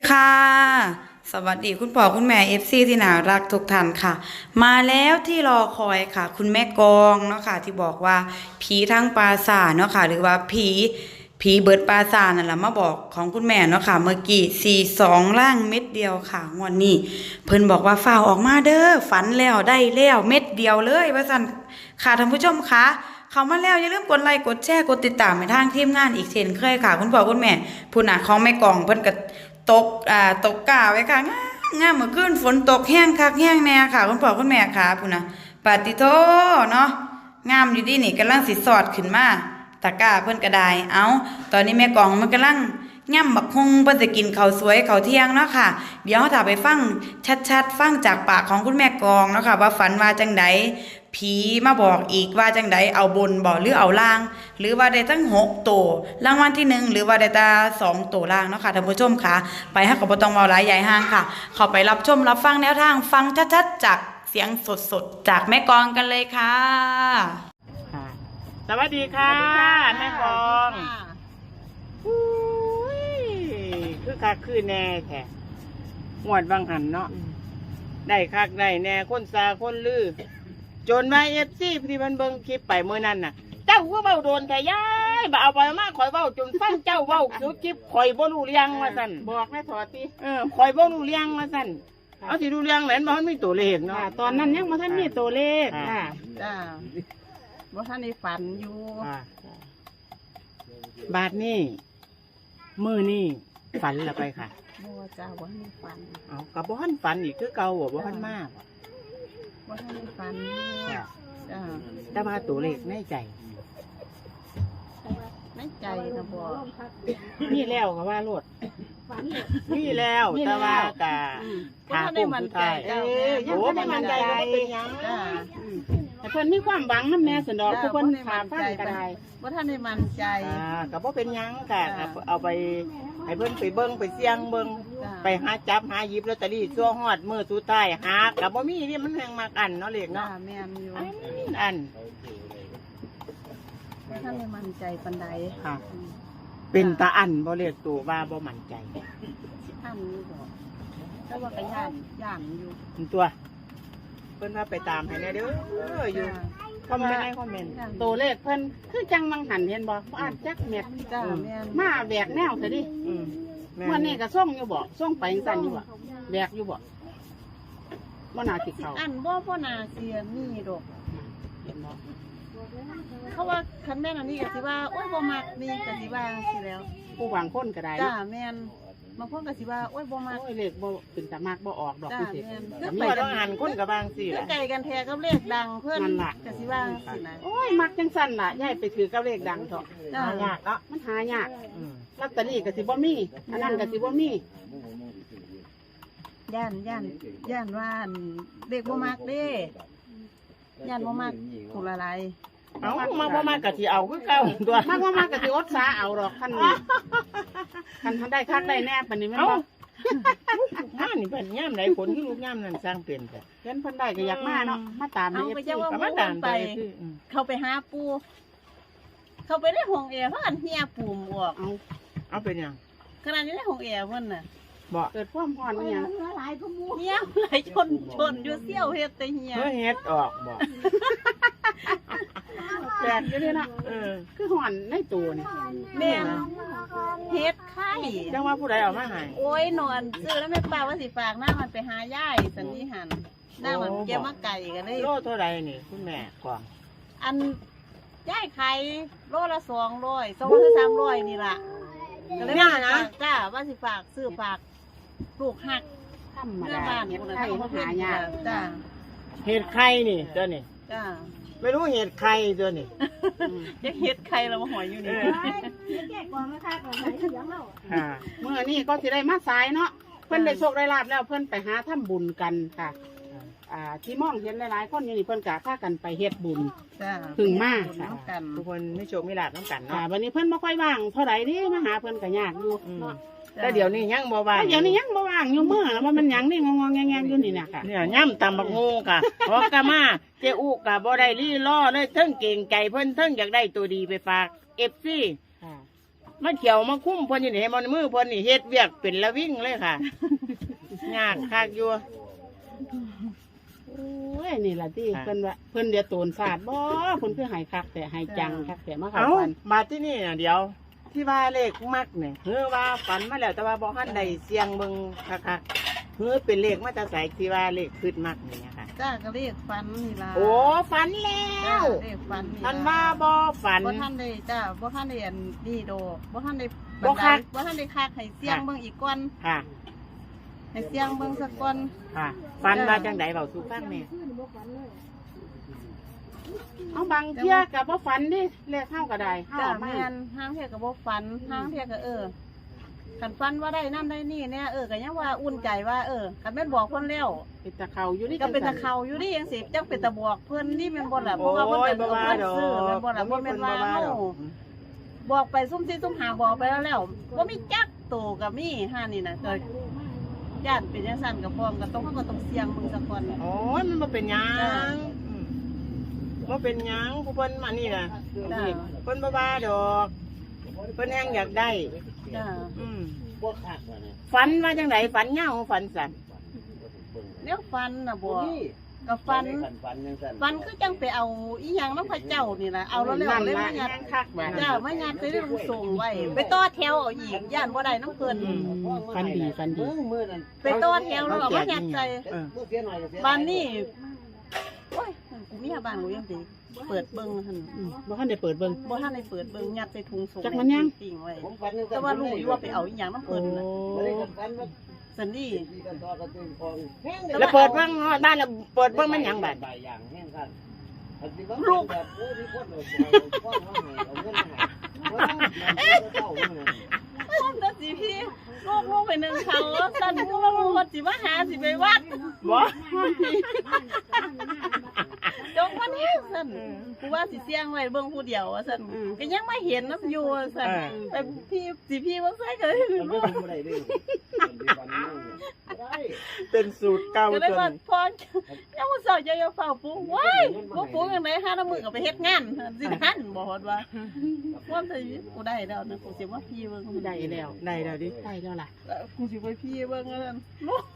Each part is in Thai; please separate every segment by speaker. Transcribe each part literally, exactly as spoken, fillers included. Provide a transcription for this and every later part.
Speaker 1: ค่ะสวัสดีคุณพ่อคุณแม่เอฟซีที่น่ารักทุกท่านค่ะมาแล้วที่รอคอยค่ะคุณแม่กองเนาะค่ะที่บอกว่าผีทั้งปราสาทเนาะค่ะหรือว่าผีผีเบิดปราสาทนั่นแหละมาบอกของคุณแม่เนาะค่ะเมื่อกี้สี่สองล่างเม็ดเดียวค่ะงวดนี้เพิ่นบอกว่าฝ่าวออกมาเด้อฝันแล้วได้แล้วเม็ดเดียวเลยว่าสั่นค่ะท่านผู้ชมคะเขามาแล้วอย่าลืมกดไลค์กดแชร์กดติดตามไปทางทีมงานอีกเช่นเคยค่ะคุณพ่อคุณแม่ผู้หนาของแม่กองเพิ่นก็ตกอ่าตกกาไว้ค่ะงามงามเมื่อคืนฝนตกแห้งคักแห้งแน่ค่ะคุณพ่อคุณแม่ค่ะผู้น่ะปาติโทเนาะงามอยู่ดีนี่กำลังสิสอดขึ้นมาตะกร้าเพิ่นก็ได้เอาตอนนี้แม่กองมันกำลังย่ำบักฮุงเพิ่นจะกินข้าวสวยข้าวเที่ยงเนาะค่ะเดี๋ยวถ้าไปฟังชัดๆฟังจากปากของคุณแม่กองเนาะค่ะว่าฝันว่าจังไดผีมาบอกอีกว่าจังไดเอาบนบอกหรือเอาล่างหรือว่าได้ทั้งหกตัวรางวัลที่หนึ่งหรือว่าได้ตาสองตัวล่างเนาะค่ะท่านผู้ชมค่ะไปให้กับบ่ต้องเว้าหลายใหญ่ห้างค่ะเข้าไปรับชมรับฟังแนวทางฟังชัดๆจากเสียงสดๆจากแม่กองกันเลยค่ะ
Speaker 2: สวัสดีค่ะแม่กองอุ้ยคือคักคือแน่แท้หวดบางหันเนาะได้คักได้แน่คนซาคนลือจนมาเอฟซีที่มันเบิ่งคลิปไปเมื่อนั้นน่ะเจ้าก็เบ้าโดนแต่ย้ายบ่เอาไปมาข่อยเบ้าจนฟังเจ้าเบ้าคือคลิปข่อยบ่รู้เรื่องว่าซั่นบอกแม่ถอดติเออข่อยบ่รู้เรื่องว่าซั่นเอาสิรู้เรื่องแหลนบ่ทันมีตัวเลขเนาะตอนนั้นยังบ่ทันมีตัวเลขค่ะ
Speaker 3: จ้าบ่ท่านได้ฝันอยู่
Speaker 2: บาทนี่มือนี่ฝันละไปค่ะ
Speaker 3: บ่จ้าบ่ท่านได้ฝัน
Speaker 2: เอากับบ่ทันฝันอีกคือเก่าบ่บ่ทันมาก
Speaker 3: บ่ท่านได้ฝันจ้า
Speaker 2: แต่ว่าตัวเลขในใจ
Speaker 3: ในใจนะบ่
Speaker 2: นี่แล้วก็ว่าโลดนี่แล้วแต่ว่ากะ
Speaker 3: ทางผู้สุดท้าย
Speaker 2: เออยังบ่ได้มั่นใจว่าเป็นหยัง
Speaker 3: จ้า
Speaker 2: แต่เพิ่นมีความหวังนำแม่สันดอกเพิ่นถามฟังก็ได้
Speaker 3: บ่ท่านได้มั่นใจ
Speaker 2: อ่าก็บ่เป็นหยังค่ะเอาไปให้เพิ่นไปเบิ่งไปเสี่ยงเบิ่งไปหาจับหาหยิบลอตเตอรี่ชั่วฮอดมื้อสุดท้ายหาก็บ่มีนี่มันแฮงมากอันเนาะเลขเนาะ
Speaker 3: แม่นอยู่
Speaker 2: อัน
Speaker 3: บ่ท่านได้มั่นใจปานใด
Speaker 2: ค่ะเป็นตาอันบ่เลขตัวว่าบ่มั่นใจ
Speaker 3: อันนี้บ่แต่ว่าก็ย่านย่านอยู่
Speaker 2: ตัวเพิ่นว่าไปตามให้แน่เด้ออยู่คอมเมนต์ในคอมเมนต์ตัวเลขเพิ่นคือจังมังหันเห็นบ่อ่านจักเม็ด
Speaker 3: จ้าแม่น
Speaker 2: มาแบกแนวซะดิอืมวันนี้ก็ส่งอยู่บ่ส่งไปจังซั่นอยู่บ่แบกอยู่บ่บ่น่าสิเข้า
Speaker 3: อันบ่บ่น่าเสียมีดอกเห็นบ่เขาว่าคันแม่นอันนี้ก็สิว่าโอ๊ยบ่มักนี่ก็สิว่าสิแล้ว
Speaker 2: ผู้หวังคนก็ได้
Speaker 3: จ้าแม่นบางคนก็สิว่าโอ๊ยบ่มัก
Speaker 2: โอ้ยเลขบ่เป็นตามักบ่ออกดอก
Speaker 3: จังซี่
Speaker 2: คือไปต้องหันคนก็บางสิ
Speaker 3: ล่ะไก่กันแท้กับเลขดังเพิ่นก็สิว่าสินะ
Speaker 2: โอ้ยมักจังซั่นล่ะยายไปถือกับเลขดังเถาะหายากเนาะมันหายากลอตเตอรี่ก็สิบ่มีอันนั้นก็สิบ่มี
Speaker 3: ย่านย่านย่านว่าเลขบ่มักเด้ย่านบ่มักถูกละลาย
Speaker 2: เอามาบ่มากะสิเอาคือเก่าตัวมากบ่มากะสิอดสาเอาดอกคันนี้คันทันได้คักได้แน่ปานนี้แม่นบ่งานนี่เพิ่นยามใดผลคือลูกยามนั้นสร้างเป็นแต่เห็นเพิ่นได้ก็อยากมาเนาะมาตาม
Speaker 3: เอ
Speaker 2: ฟ
Speaker 3: ฟ
Speaker 2: ซี ก็มาตามไป
Speaker 3: เข้าไปหาปูเข้าไปในห้องแอร์เพราะอันเฮียปูมออก
Speaker 2: เอาเอาเป็นหยัง
Speaker 3: ขนาดนี้ในห้องแอร์เพิ่นน่ะ
Speaker 2: บ่เกิดความร้อนอีหยัง
Speaker 3: หลายก็มูเฮียหลายชนชนอยู่เสี่ยวเฮ็ดแต่เฮีย
Speaker 2: เฮ็ดเฮ็ดออกบ่แปลกอยู่นี่นะเออคือห่อนในตัวนี่
Speaker 3: แม่เฮ็ดไข่
Speaker 2: จังว่าผู้ใดเอามาให้
Speaker 3: โอ้ยนอนซื้อแล้วแม่ป้าว่าสิฝากหน้ามันไปหายายสันนิหันหน้ามันเกี่ยวมาไก่กันเลย
Speaker 2: โลเท่าไรนี่คุณแม่กวาง
Speaker 3: อันยายไข่โลละสองร้อยสองร้อยสามร้อยนี่ล่ะก็เลยว่านะจ้าว่าสิฝากซื้อฝากลูกหัก
Speaker 2: ธรรมดาเฮ็ดไข่หายาก
Speaker 3: จ้า
Speaker 2: เฮ็ดไข่นี่เจ้านี่
Speaker 3: จ้า
Speaker 2: ไม่รู้เห็ดใครตัวนี่
Speaker 3: จะเห็ดใครเรามาหอยอยู่นี่
Speaker 2: แก่ก่อนนะคะก่อนไหนเสียงเราเมื่อนี้ก็จะได้มาสายเนาะเพื่อนได้โชคได้ลาบแล้วเพื่อนไปหาทำบุญกันค่ะอ่าที่มองเห็นหลายๆคนอยู่นี่เพื่อนกะพากันไปเฮ็ดบุญถึงมากค่ะทุกคนไม่โชคไม่ลาบต้องกันเนาะวันนี้เพื่อนไม่ค่อยว่างเท่าไหร่นี่มาหาเพื่อนกะยากอยู่แต่เดี๋ยวนี้ยังบ่ว่างเดี๋ยวนี้ยังบ่ว่างอยู่เมื่อว่ามันยังนี่งงๆแงๆอยู่นี่นะค่ะเนี่ยย่ำตำบักงูค่ะเพราะกะมาเจ้อุกะบ่ได้รีล่อเลยเทิงเก่งใจเพิ่นเทิงอยากได้ตัวดีไปฝากเอฟซีมาเขียวมาคุ้มเพิ่นอยู่นี่มันมือเพิ่นนี่เฮ็ดเวียกเป็นละวิ่งเลยค่ะ ยากคักอยู่
Speaker 4: โอ้ยนี่ล่ะที่เพิ่นว่าเพิ่นเดี๋ยวโตนศาสตร์บ่เพิ่นคือใหายคักแต่ใหายจังคักแต่มาเข้า
Speaker 2: เอ้า
Speaker 4: ฝัน
Speaker 2: มาที่นี่น่ะเดี๋ยว ที่ว่าเลขมักเนี่ยเฮือว่าฝันมาแล้วแต่ว่าบ่ทันได้เสียงเบิ่งคักๆเฮือเป็นเลขมาจากไสที่ว่าเลขขึ้นมักนี่นะคะ
Speaker 3: จ้าก็เรียกฟันนี่ล่ะ
Speaker 2: โอ้ฝันแล้
Speaker 3: จ้าว เรียกฟัน
Speaker 2: ท่านว่าบ่ฝัน
Speaker 3: บ่ท่านได้จ้าบ่ท่านได้อันนี่โดบ่ท่านได้
Speaker 2: บ่คัก
Speaker 3: บ่ท่านได้คักให้เสียงเบิ่งอีกก่อน
Speaker 2: ค่ะ
Speaker 3: ให้เสียงเบิ่งสักก่อน
Speaker 2: ค่ะฝันว่าจังไดเว้าสู่ฟังแม่
Speaker 4: เอาบางเที่ยก็บ่ฝันดิเลขเฮาก็ได้เฮา
Speaker 3: จ้า
Speaker 4: เอามา
Speaker 3: แม่นห้างเที่ยก็บ่ฝันห้างเที่ยก็เออคันฝันว่าได้นั่นได้นี่เนี่ยเออก็ยังว่าอุ่นใจว่าเออคันแม่นบอกเพิ่นแล้ว
Speaker 4: เป็นตะเขาอยู่นี่
Speaker 3: ก็เป็นตะเขาอยู่นี่ยังสิจังเป็นตะบอกเพิ่นนี่แม่นบ่ล่ะเพราะว่าเพิ่นเป็น
Speaker 2: โอ้ยบ่ว่า
Speaker 3: เพิ่น
Speaker 2: ดอก
Speaker 3: ซื้อแม่นบ่ล่ะบ่แม่นว่า
Speaker 2: บ่ว่า
Speaker 3: เฮา
Speaker 2: ดอก
Speaker 3: บอกไปซุ่มซี่ซุ่มหาบอกไปแล้วแล้วบ่มีจักโตก็มีห้านี่น่ะก็ย่านเป็นจังซั่นก็พร้อมก็ต้องเฮาก็ต้องเสี่ยงเบิ่งซะก่อน
Speaker 2: โอ้ยมันบ่เป็นหยังอืมบ่เป็นหยังผู้เพิ่นมานี่น่ะ
Speaker 3: จ้า
Speaker 2: เพิ่นบ่ว่าดอกเพิ่นแฮงอยากได้
Speaker 3: จ้า
Speaker 2: อืมฝันว่าจังไดฝันเหงาฝันสั่น
Speaker 3: เดี๋ยวฟันน่ะบ่ก็ฟันฟันคือจังไปเอาอีหยังน้ำพระเจ้านี่ล่ะเอาแล้วแล้วเลยมายัด
Speaker 2: แห้งคักแบบ
Speaker 3: จ้ามายัดไปเรื่องส่งไว้ไปต่อแถวเอาอีกย่านบ่ได้น้ำเพิ่น
Speaker 4: อืมฝันดีฝันดี
Speaker 3: ไปต่อแถวแล้วเอามายัดใส่
Speaker 2: เออ
Speaker 3: บ้านนี่โอ้ยกูมีบ้านกูยังสิเปิดเบิ่งหั่น
Speaker 4: อืมบ่ทันได้เปิดเบิ่ง
Speaker 3: บ่ทันได้เปิดเบิ่งยัดใส่ถุงส่ง
Speaker 4: จักมันยัง
Speaker 3: ปิ้งไว้แต่ว่ารู้อยู่ว่าไปเอาอีหยังน้ำ
Speaker 4: โอ้
Speaker 3: เพิ่นน่ะสันนี่
Speaker 2: แล้วเปิดเบิ่งบ้านแล้วเปิดเบิ่งมันหยังบัด
Speaker 3: ลูกพ่อมนะสิพี่ลูกลูกไปหนึ่งเขาสันกูว่าลูกสิมาหาสิไปวัด
Speaker 2: บ่
Speaker 3: จงวันนี้สันกูว่าสิเสี่ยงไว้เบิ่งผู้เดียวว่าสันก็ยังไม่เห็นน้ำอยู่ว่าสันแต่พี่สิพี่ว่าใส่ก็ได้ลูก
Speaker 2: เป็นสูตรเก่า
Speaker 3: ก็ได้
Speaker 2: จ
Speaker 3: ว่าน พ่อยังว่าเศร้าจะเอาเฝ้าปูว้ายบ่ปูยังไงห้าน้ำมือก็ไปเฮ็ดงานสิทันบ่ฮอดว่าว่าแต่กูได้แล้วนะกูสิว่าพี่เบิ่งกูได้
Speaker 4: ได้แล้ว
Speaker 2: ได้แล้วดิ
Speaker 4: ได้แล้วล่ะ
Speaker 3: กูสิไปพี่เบิ่งนั่นลูก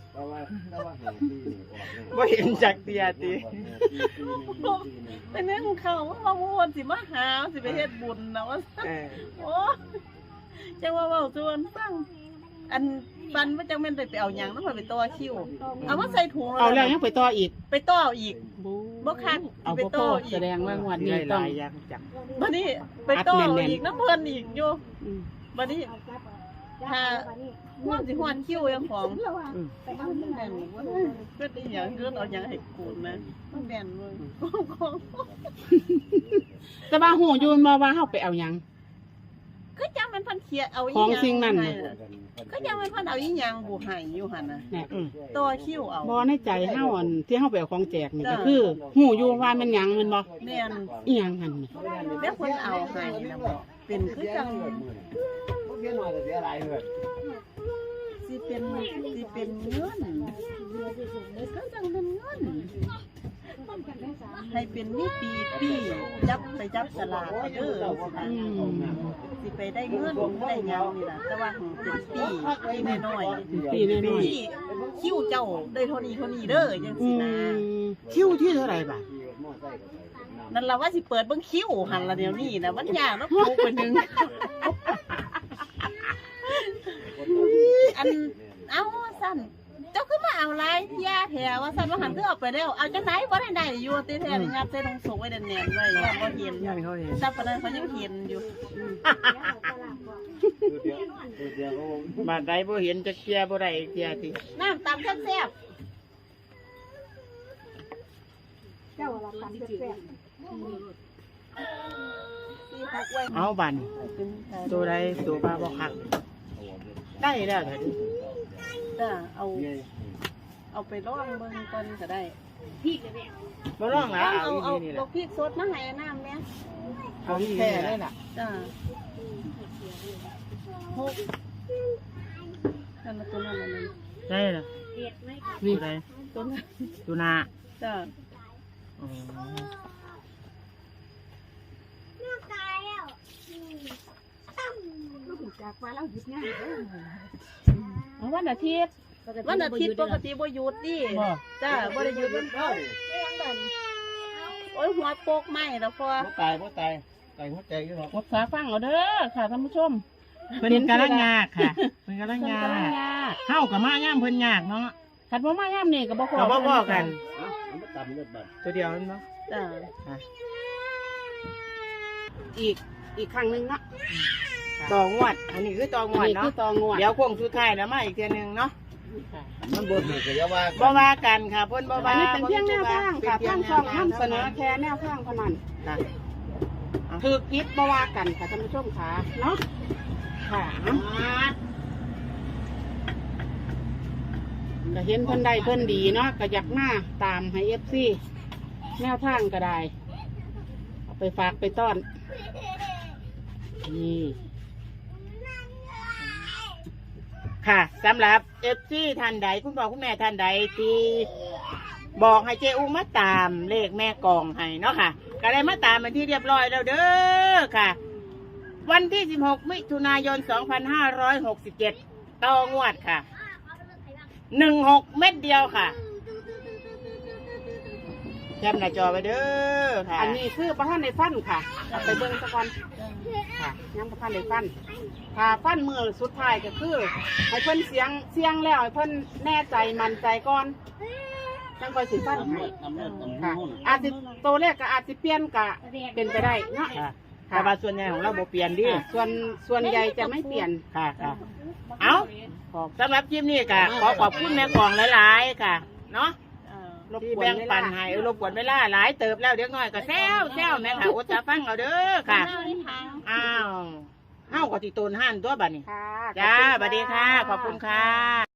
Speaker 2: บ่เห็นจักเตียติ
Speaker 3: ไปนึ่งเขาว่าว่าวนสิมาหาสิไปเฮ็ดบุญนะว่า
Speaker 2: เออ
Speaker 3: โอ้จังว่าเว้าส่วนฟังอันปันว่าจังแม่นได้ไปเอาหยังนำไปต่อคิวเอามาใส่ถุง
Speaker 4: เอาแล้วยังไปต่ออีก
Speaker 3: ไปต่ออีกบ่คัก
Speaker 4: เอา
Speaker 3: ไป
Speaker 4: บ่พ
Speaker 3: ต่
Speaker 4: อ
Speaker 3: ออี
Speaker 4: แส
Speaker 3: ก
Speaker 4: ดงว่างวด
Speaker 2: มี
Speaker 4: นี้
Speaker 2: ห
Speaker 4: ต้อง
Speaker 2: ลายอย่างจัง
Speaker 3: บัดนี้ไปต่อ
Speaker 4: อัดแน่นๆ
Speaker 3: อีกน้ำเพิ่นอีกอยู่
Speaker 4: อืม
Speaker 3: บัดนี้ถ้าห่วงสิห่วนคิวยังของ
Speaker 2: อืม
Speaker 3: มันแม่นบ่เกิดอีหยังเกิดเอาหยังให้กูนะมันแม่นเว้ยของ
Speaker 4: แต่ว่าหูอยู่มาว่าเฮาไปเอาหยัง
Speaker 3: ก็จังมันเพันเขียเอาอีห
Speaker 4: ของ
Speaker 3: ยัง
Speaker 4: สิ่งนั้น
Speaker 3: ให้
Speaker 4: น่ะ
Speaker 3: ก็จังมันเพันเอาอีหยังบุให้อยู่หั่นน่ะ
Speaker 4: เนี่ย
Speaker 2: อืม
Speaker 3: ต่อคิวเอา
Speaker 4: บ่ในใจเฮาอันที่เฮาไปเอาของแจกนี่
Speaker 3: จ้ะ
Speaker 4: ก็คือหูอยู่ว่ามันหยังแมันบ่
Speaker 3: แม่น
Speaker 4: อีหยังหั่นนี่
Speaker 3: แล้วคนเอาให้นะบ่เป็นคือจังสิเป็นสิเป็นเงินก็จังเป็นเงินให้เป็นมีปีปีจับไปจับสลากเด้อ
Speaker 4: อืม
Speaker 3: สิไปได้เงินได้หยังนี่ล่ะแต่ว่าของเป็นปีปีน้อยๆ
Speaker 4: ปีน้อย
Speaker 3: พี่คิวเจ้าได้เท่านี้เท่านี้เด้อจัง
Speaker 4: ๆอื
Speaker 3: สินะ
Speaker 4: มคิวที่เท่าไหร่บาท
Speaker 3: นั่นล่ะว่าสิเปิดเบิ่งคิวหันละเดี๋ยวนี้นะมันยากแล้วปลูกไปหนึงอันเอาสั่นเจ้าคือมาเอาลายยาแถวว่าสั่นว่าหันคือเอาไปแล้วเอาจังไหนบ่ได้ได้อยู่ติแท้นี่ยัดใส่ถุงส่งไว้แน่นๆไว้ว่าบ่เห็น
Speaker 2: ยังเขาเห็น
Speaker 3: ซับปานนั้นเขายังเห็นอยู่
Speaker 2: บาดใดบ่เห็นจักเตียบ่ได้เตียติ
Speaker 3: น้ำตำแซ่บ
Speaker 2: เอาบัน
Speaker 3: ๆ
Speaker 2: ตัวใดตัวปลาบ่คักได้แล้วเถิด
Speaker 3: จ้าเอาเอาไปลองเบิ่งก่อนก็ได้
Speaker 2: บ่ร้องแล้ว
Speaker 3: เอา
Speaker 2: เอา
Speaker 3: เอา
Speaker 2: อีนี่แห
Speaker 3: เอา
Speaker 2: ละ
Speaker 3: พริกสดมาให้น้ำเนี่ย
Speaker 2: เอาอีนี่แหละ
Speaker 3: จ้าหกนั่นละตัวนั้นละนั่น
Speaker 2: ได้ล่ะ
Speaker 4: นี่
Speaker 2: ตัวใด
Speaker 3: ตัวนั้น
Speaker 2: ตัวหน้า
Speaker 3: จ้า
Speaker 2: อ๋อ
Speaker 3: น
Speaker 4: จากว่าเราหยุดงาน
Speaker 3: เอาวันอาทิตย์วันอาทิตย์ปกติบ่หยุดดิ
Speaker 2: บ่
Speaker 3: จ้าบ่ได้หยุดวันเสาร์โอ้ยหัวโปกไหมแล้วพอ
Speaker 2: บ่ตายบ่ตายตายหัวใจอยู่หรอก
Speaker 3: กดสาฟังเอาเด้อค่ะท่านผู้ชม
Speaker 2: เพิ่นกำลังยากค่ะเพิ่นกำลัง
Speaker 3: เพิ่น
Speaker 2: ยาก
Speaker 3: กำลังยาก
Speaker 2: เฮากับมาย่ามเพิ่นยากเนาะ
Speaker 3: คันบ่มายามนี่ก็บ่พอ
Speaker 2: ก็บ่พอกัน
Speaker 5: เอามาตำเลือดบัด
Speaker 2: ตัวเดียวนั่นเนาะ
Speaker 3: จ้า
Speaker 4: อีกอีกครั้งหนึงเนาะ
Speaker 2: ต่องวด อันนี้คือต่องวด
Speaker 4: นี่คื
Speaker 2: เนาะ
Speaker 4: อตองวด
Speaker 2: เดี๋ยวโค้งสุดท้ายแล้วมาอีกเทื่อนึงเนาะ
Speaker 5: มันบ่ถูกก็อย่าว่า
Speaker 2: บ่ว่ากันค่ะเพิ่นบ่
Speaker 4: อั
Speaker 2: ว่าน
Speaker 4: นี้เป็นเพียงแนวทางค่ะ
Speaker 2: เป็น
Speaker 4: ทาง
Speaker 2: พีย
Speaker 4: ช่อง
Speaker 2: แวทาน
Speaker 4: ำเสนอแค่แนวทางเท่านั้น
Speaker 2: ค่ะ
Speaker 4: ถือกิฟบ่ว่ากันค่ะท่านผู้ชมค่ะเนาะค่ะก็เห็นเพิ่นใดเพิ่นดีเนาะก็อยากมาตามให้เอฟซีแนวทางก็ได้เอาไปฝากไปต้อนนี่
Speaker 2: ค่ะสำหรับ เอฟ ซี ท่านใดคุณพ่อคุณแม่ท่านใดที่บอกให้เจอุ้มมาตามเลขแม่กองให้เนาะค่ะก็ได้มาตามเป็นที่เรียบร้อยแล้วเด้อค่ะ วันที่สิบหกมิถุนายนสองพันห้าร้อยหกสิบเจ็ดต่องวดค่ะหนึ่งหกเม็ดเดียวค่ะแคปหน้าจอไปเด้อค่ะ
Speaker 4: อันนี้คือประธานในฟันค่ะเอาไปเบิ่งสักวันค่ะยังประธานในฟันค่ะฟันมือสุดท้ายก็คือให้เพิ่นเสียงเสียงแล้วให้เพิ่นแน่ใจมั่นใจก่อนจังค่อยสิฟัน
Speaker 5: ทำ
Speaker 4: ให้
Speaker 5: เลือดทำเลือดตำ
Speaker 4: ค่ะ
Speaker 5: หู
Speaker 4: อาจสิตัวเลขก็อาจสิเปลี่ยนก็เป็นไปได้เนาะ
Speaker 2: ค่ะแต่ว่าส่วนใหญ่ของเราบ่เปลี่ยนดิ
Speaker 4: ค่ะส่วนส่วนใหญ่จะไม่เปลี่ยน
Speaker 2: ค่ะค่ะเอาสำหรับคลิปนี้ค่ะขอขอบคุณแม่กองหลายๆค่ะเนาะ
Speaker 4: รบ
Speaker 2: ที่
Speaker 4: กวน
Speaker 2: แบ่ง
Speaker 4: เว
Speaker 2: ปั
Speaker 4: ลาน
Speaker 2: ให้เออรบกวนเวลาหลายเติบแล้วเดี๋ยวน้อยก็แซวแซวแม่ค่ะอดจะฟังเอาเด้อค่ะ อ้าวเฮ้าก็ติโตนห้านตัวบัดนี้
Speaker 4: ค่ะ
Speaker 2: จ้าสวัสดีค่ะ ขอบคุณค่ะ